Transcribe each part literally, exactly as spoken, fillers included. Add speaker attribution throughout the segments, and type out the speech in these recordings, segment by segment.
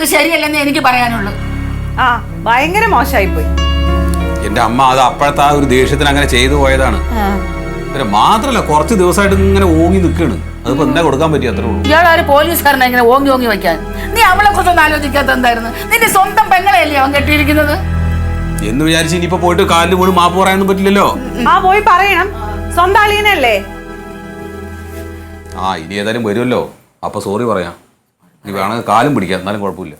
Speaker 1: ചെയ്തത് ശരിയല്ലെന്ന് എനിക്ക് പറയാനുള്ളൂ.
Speaker 2: ആ ഭയങ്കര മോശമായിപ്പോയി.
Speaker 3: എന്റെ അമ്മ അത് അപ്പോഴത്തെ ആ ഒരു ദേഷ്യത്തിന് അങ്ങനെ ചെയ്തു പോയതാണ്. മാത്രല്ല കുറച്ച് ദിവസമായിട്ട് ഇങ്ങനെ ഓങ്ങി നിൽക്കാണ്. അതിപ്പോ എന്താ കൊടുക്കാൻ പറ്റി അത്രേ ഉള്ളൂ.
Speaker 1: ഇയാളൊരു പോലീസുകാരനെ ഇങ്ങനെ ഓങ്ങി ഓങ്ങി വെക്കാൻ നീ അവളെ കുറിച്ചൊന്നും ആലോചിക്കാത്ത എന്തായിരുന്നു? നിന്റെ സ്വന്തം പെങ്ങളെയല്ലേ അവൻ കെട്ടിയിരിക്കുന്നത്
Speaker 3: എന്ന് വിചാരിച്ച് ഇനിയിപ്പോ പോയിട്ട് കാലിന് പോലും മാപ്പ് പറയാനൊന്നും പറ്റില്ലല്ലോ.
Speaker 2: ആ പോയി പറയണം, സ്വന്തം അളിയനല്ലേ.
Speaker 3: ആ ഇനി ഏതായാലും വരുമല്ലോ, അപ്പൊ സോറി പറയാം. നീ വേണമെങ്കിൽ കാലും പിടിക്കാം, എന്നാലും കുഴപ്പമില്ല.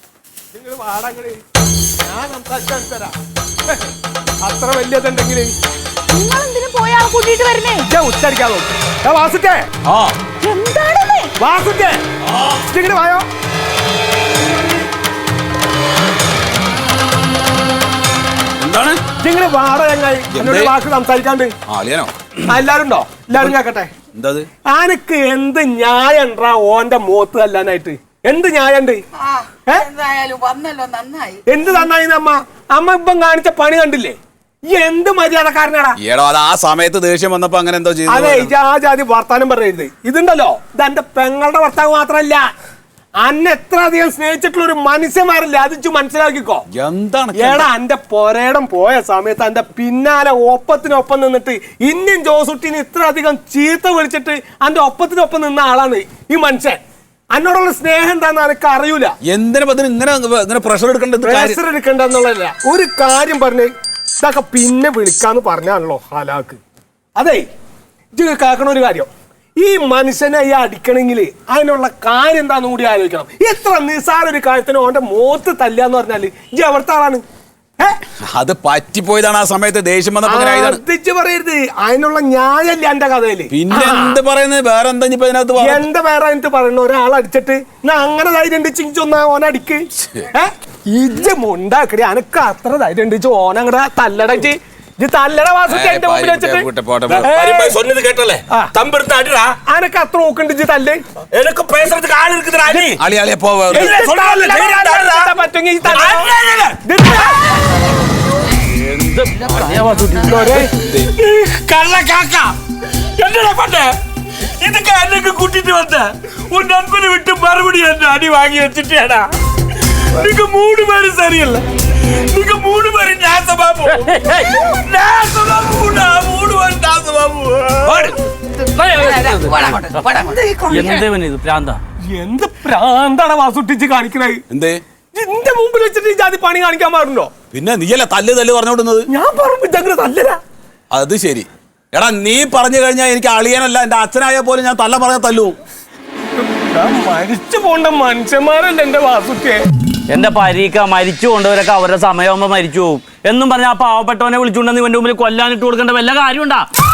Speaker 4: അത്ര വലിയതുണ്ടെങ്കിൽ
Speaker 2: നിങ്ങൾ എന്തിനു പോയി ആളെ കൂട്ടിയിട്ട് വരുന്നേ?
Speaker 4: ഉച്ചടിക്കാതോ വാസുക്കേ
Speaker 2: എന്താണ്
Speaker 4: വാസുക്കേ ഇങ്ങനെ വായോ.
Speaker 3: എന്താണ്
Speaker 4: നിങ്ങള് വാട ചങ്ങായി എന്നോട് വാക്ക് സംസാരിക്കാണ്ട്. എല്ലാരും ഉണ്ടോ? എല്ലാരും കേക്കട്ടെ.
Speaker 3: എന്താ
Speaker 4: ആനക്ക് എന്ത് ന്യായം ഉണ്ടാ ഓന്റെ മോത്ത് തല്ലാനായിട്ട്? എന്ത് ന്യായണ്ട്? എന്ത് നന്നായി അമ്മ? അമ്മ ഇപ്പം കാണിച്ച പണി കണ്ടില്ലേ? ഈ എന്ത് മര്യാദക്കാരനാടാ.
Speaker 3: ആ സമയത്ത് ദേഷ്യം വന്നപ്പോ അങ്ങനെ എന്തോ ചെയ്തു.
Speaker 4: അതെ ആ ജാതി വർത്താനം പറയരുത്. ഇതുണ്ടല്ലോ, ഇത് എന്റെ പെങ്ങളുടെ ഭർത്താവ് മാത്രല്ല, അന്നെ എത്ര അധികം സ്നേഹിച്ചിട്ടുള്ള ഒരു മനുഷ്യന്മാരല്ലേ, അത് മനസ്സിലാക്കിക്കോ.
Speaker 3: എന്താണ്
Speaker 4: ഏടാ എന്റെ പൊരേടം പോയ സമയത്ത് എന്റെ പിന്നാലെ ഒപ്പത്തിനൊപ്പം നിന്നിട്ട് ഇന്ത്യൻ ജോസുട്ടിന് ഇത്ര അധികം ചീത്ത വിളിച്ചിട്ട് എന്റെ ഒപ്പത്തിനൊപ്പം നിന്ന ആളാണ് ഈ മനുഷ്യൻ. എന്നോടുള്ള സ്നേഹം എന്താന്ന് എനിക്ക് അറിയൂല.
Speaker 3: എന്തിനാ ഇങ്ങനെ പ്രഷർ എടുക്കണ്ട
Speaker 4: പ്രഷർ എടുക്കണ്ടെന്നുള്ളതല്ല, ഒരു കാര്യം പറഞ്ഞ് ഇതൊക്കെ പിന്നെ വിളിക്കാന്ന് പറഞ്ഞാണല്ലോ ഹലാക്ക്. അതെ ഇത് കേൾക്കണ ഒരു കാര്യം, ഈ മനുഷ്യനെ ഈ അടിക്കണമെങ്കിൽ അതിനുള്ള കാര്യം എന്താന്ന് കൂടി ആലോചിക്കണം. എത്ര നിസാര ഒരു കാര്യത്തിന് ഓന്റെ മോത്ത് തല്ലാന്ന് പറഞ്ഞാല് ഇജ്ജ് എവിടുത്തെ ആളാണ്?
Speaker 3: അത് പറ്റിപ്പോയതാണ്. ആ സമയത്ത് ദേഷ്യം
Speaker 4: വന്നപ്പോ പറയരുത്, അതിനുള്ള ന്യായല്ല എന്റെ കഥയില്.
Speaker 3: പിന്നെ എന്ത് പറയുന്നത്? വേറെ എന്താ
Speaker 4: എന്താ വേറെ എന്നിട്ട് പറയുന്ന ഒരാൾ അടിച്ചിട്ട് അങ്ങനെ ധൈര്യം ഉണ്ടിച്ച് ഒന്നാ ഓന അടിക്ക്. ഇജ്ജ മുണ്ടാക്കടി, അനക്ക് അത്ര ധൈര്യം ഉണ്ടിച്ച് ഓന അങ്ങടെ തല്ലടച്ച് തല്ലട വാസത്തെ എന്റെ മുമ്പിൽ വെച്ചിട്ട് അനക്ക് അത്ര നോക്കണ്ടിച്ച് തല്ല്. പറ്റുമെങ്കിൽ
Speaker 5: ഇതൊക്കെ എന്നൊക്കെ കൂട്ടിട്ട് വന്ന ഒരു നൻപനെ വിട്ട് മറുപടി എന്നെ അടി വാങ്ങി വെച്ചിട്ടാടാ. നിനക്ക് മൂന്ന് പേര് ശരിയല്ല, നിനക്ക് മൂന്ന് പേര് നാസബാബു നാസബാബു മൂന്ന് പേര് നാസബാബു.
Speaker 4: എന്ത് പ്രാന്താണ് വാസുട്ടിച്ച് കാണിക്കണത്?
Speaker 3: എന്തേ
Speaker 4: എന്റെ മുമ്പിൽ വെച്ചിട്ട് ഈ ജാതി പണി കാണിക്കാൻ പാടുണ്ടോ?
Speaker 3: പിന്നെ നീയല്ല തല്ല് തല്ല് പറഞ്ഞോടുന്നത്.
Speaker 4: ഞാൻ പറഞ്ഞു തല്ലരാ.
Speaker 3: അത് ശരി. എടാ നീ പറഞ്ഞു കഴിഞ്ഞാൽ എനിക്ക് അളിയനല്ല, എന്റെ അച്ഛനായ പോലെ ഞാൻ തല്ല പറഞ്ഞ തല്ലു.
Speaker 4: മരിച്ചു പോണ്ട മനുഷ്യന്മാരല്ല എന്റെ വാസുക്കെ.
Speaker 6: എന്റെ പരീക്ക മരിച്ചു കൊണ്ടവരൊക്കെ അവരുടെ സമയമാകുമ്പോ മരിച്ചു പോകും എന്നും പറഞ്ഞ ആ പാവപ്പെട്ടവനെ വിളിച്ചുകൊണ്ടെന്ന് ഇവന്റെ മുമ്പിൽ കൊല്ലാനിട്ട് കൊടുക്കേണ്ട വല്ല കാര്യമുണ്ടാ?